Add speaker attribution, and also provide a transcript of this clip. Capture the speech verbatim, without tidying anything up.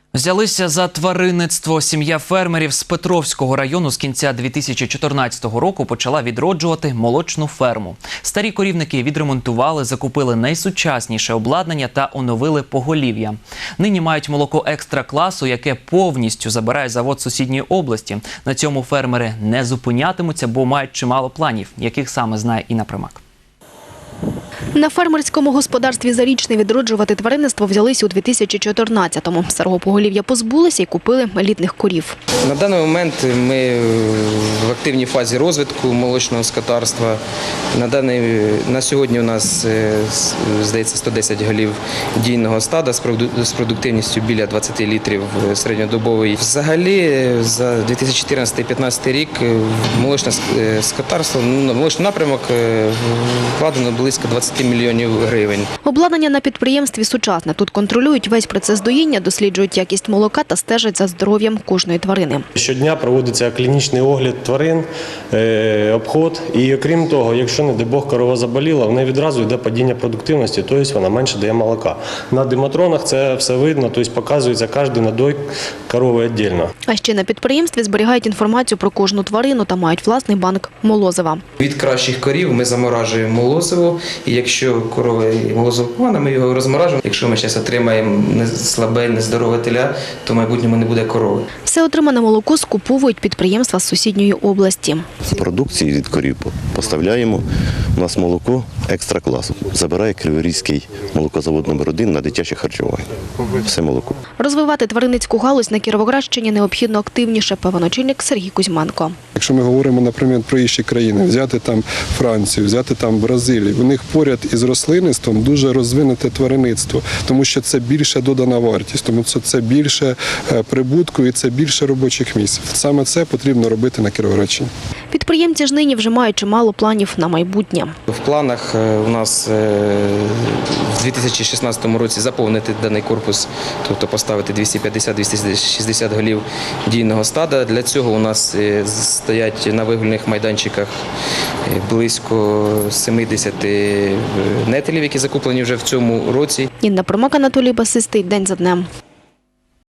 Speaker 1: Взялися за тваринництво. Сім'я фермерів з Петровського району з кінця дві тисячі чотирнадцятого року почала відроджувати молочну ферму. Старі корівники відремонтували, закупили найсучасніше обладнання та оновили поголів'я. Нині мають молоко екстра-класу, яке повністю забирає завод сусідньої області. На цьому фермери не зупинятимуться, бо мають чимало планів, яких саме знає Інна Примак.
Speaker 2: На фермерському господарстві «Зарічний» відроджувати тваринництво взялись у дві тисячі чотирнадцятому. Старого поголів'я позбулися і купили елітних корів.
Speaker 3: На даний момент ми в активній фазі розвитку молочного скотарства. На, даний, на сьогодні у нас, здається, сто десять голів дійного стада з продуктивністю біля двадцяти літрів середньодобової. Взагалі, за дві тисячі чотирнадцятий - дві тисячі п'ятнадцятий рік молочне скотарство, молочний напрямок вкладено близько двадцяти мільйонів гривень.
Speaker 2: Обладнання на підприємстві сучасне. Тут контролюють весь процес доїння, досліджують якість молока та стежать за здоров'ям кожної тварини.
Speaker 4: Щодня проводиться клінічний огляд тварин, обход. І окрім того, якщо, не дай Бог, корова заболіла, в неї відразу йде падіння продуктивності, тобто вона менше дає молока. На дематронах це все видно, тобто показується кожен надой корови віддільно.
Speaker 2: А ще на підприємстві зберігають інформацію про кожну тварину та мають власний банк молозива.
Speaker 3: Від кращих корів ми заморажуємо молозиво, і якщо корова молозиво погане, ми його розморажуємо. Якщо ми зараз отримаємо слабе, нездорове теля, то в майбутньому не буде корови.
Speaker 2: Все отримане молоко скуповують підприємства з сусідньої області.
Speaker 5: Продукції від корів поставляємо. У нас молоко екстра-класу. Забирає Криворізький молокозавод номер один на дитяче харчування. Все молоко.
Speaker 2: Розвивати тваринницьку галузь на Кіровоградщині необхідно активніше, певен очільник Сергій Кузьменко.
Speaker 6: Якщо ми говоримо, наприклад, про інші країни, взяти там Францію, взяти там Бразилію, у них поряд із рослинництвом дуже розвинуте тваринництво, тому що це більше додана вартість, тому що це більше прибутку і це більше робочих місць. Саме це потрібно робити на Кіровоградщині.
Speaker 2: Підприємці ж нині вже мають чимало планів на майбутнє.
Speaker 3: В планах у нас в дві тисячі шістнадцятому році заповнити даний корпус, тобто поставити двісті п'ятдесят - двісті шістдесят голів дійного стада. Для цього у нас стоять на вигульних майданчиках близько сімдесят нетелів, які закуплені вже в цьому році.
Speaker 2: Інна Примак, Анатолій Басистий. День за днем.